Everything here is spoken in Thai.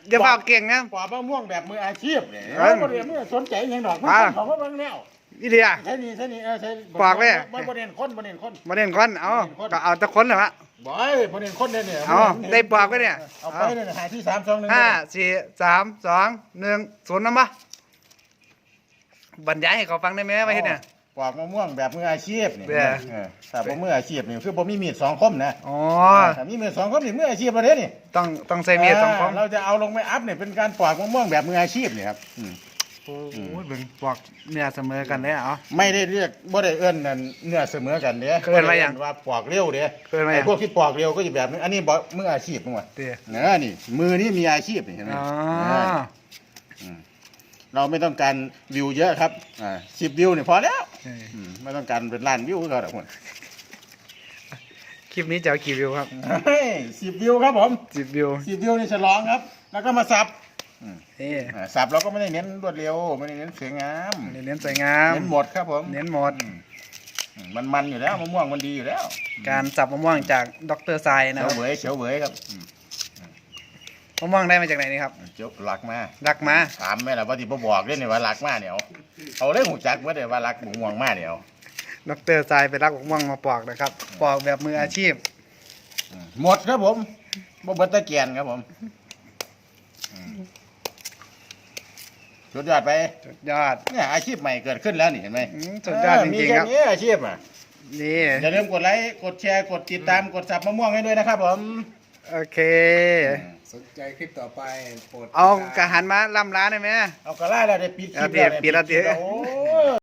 อย่าเฝ้าเก่งนะปอกมะม่วงแบบมืออาชีพเนี่ยเออบ่ได้มือสนใจหยังดอกมันอ่าของมันเบิ่งแล้วอีเดียใช่นี่ใช่ปอกเลยบ่เน้นคนบ่เน้นคนมาเล่นก้อนเอาก็เอาแตะคนเหรอวะบ่บ่เน้นคนเนี่ยเอาได้ปอกไว้เนี่ยเอาไปเนี่ยหาที่3 2 1 ห้าสี่สามสองหนึ่งศูนย์นะมะบรรยายให้เขาฟังได้ไหมว่าเฮ็ดเนี่ยปอกมะม่วงแบบมืออาชีพนี่เด้อถ้าบ่มืออาชีพนี่คือบ่มีมีด2คมนะอ๋อถ้ามีมีด2คมนี่มืออาชีพบ่ได้นี่ต้องใส่เมียสองคมเราจะเอาลงไปอัพเนี่ยเป็นการปอกมะม่วงแบบมืออาชีพนี่ครับโอ้ยเบิ่งปอกเนี่ยเสมอกันเลยเอาไม่ได้เรียกบ่ได้เอิ้นนั่นเนื้อเสมอกันเด้เอิ้นว่าหยังว่าปอกเร็วเด้เอิ้นว่าหยังไอ้พวกที่ปอกเร็วก็จะแบบนึงอันนี้บ่มืออาชีพมั้งวะเตี้ยนี่มือนี่มีอาชีพนี่เห็นไหมอ๋อเราไม่ต้องการวิวเยอะครับ10 วิวนี่พอแล้วเออไม่ต้องการเป็นล้านวิวก็ได้คนคลิปนี้จะเอากี่วิวครับ 10 วิวครับผม 10 วิว 10 วิวนี่ฉลองครับ แล้วก็มาสับนี่สับเราก็ไม่ได้เน้นรวดเร็วไม่ได้เน้นสวยงามเน้นสวยงามเน้นหมดครับผมเน้นหมดมันอยู่แล้วมะม่วงมันดีอยู่แล้วการสับมะม่วงจากดรทรายนะเฉีคยรัวบเหวยเฉียวเหวยครับมะม่วงได้มาจากไหนนี่ครับเจียวหลักมารักมาถามแม่ล่ะว่าที่บ่บอกเด้เนี่ยว่าหลักมาเนี่ยเอาเลยหูจักว่าเด้ว่าหลักมะม่วงมาเนี่ยดรทรายไปรักมะม่วงมาปอกนะครับ ปอกแบบมืออาชีพหมดครับผมบ่เบิดตะเกียนครับผมสุดยอดไปสุดยอดเนี่ยอาชีพใหม่เกิดขึ้นแล้วนี่เห็นไหมสุดยอดจมีริงแค่ๆครับนี้อาชีพอ่ะนี่อย่าลืมกดไลค์กดแชร์กดติดตามกดสับมะม่วงให้ด้วยนะครับผมโอเคสนใจคลิปต่อไปโปรดติดเอาตามกระหันมาล่ำร้านได้ไหมเอากระไล่แล้วได้ปิดคลิปเอาปิดแล้วโอ้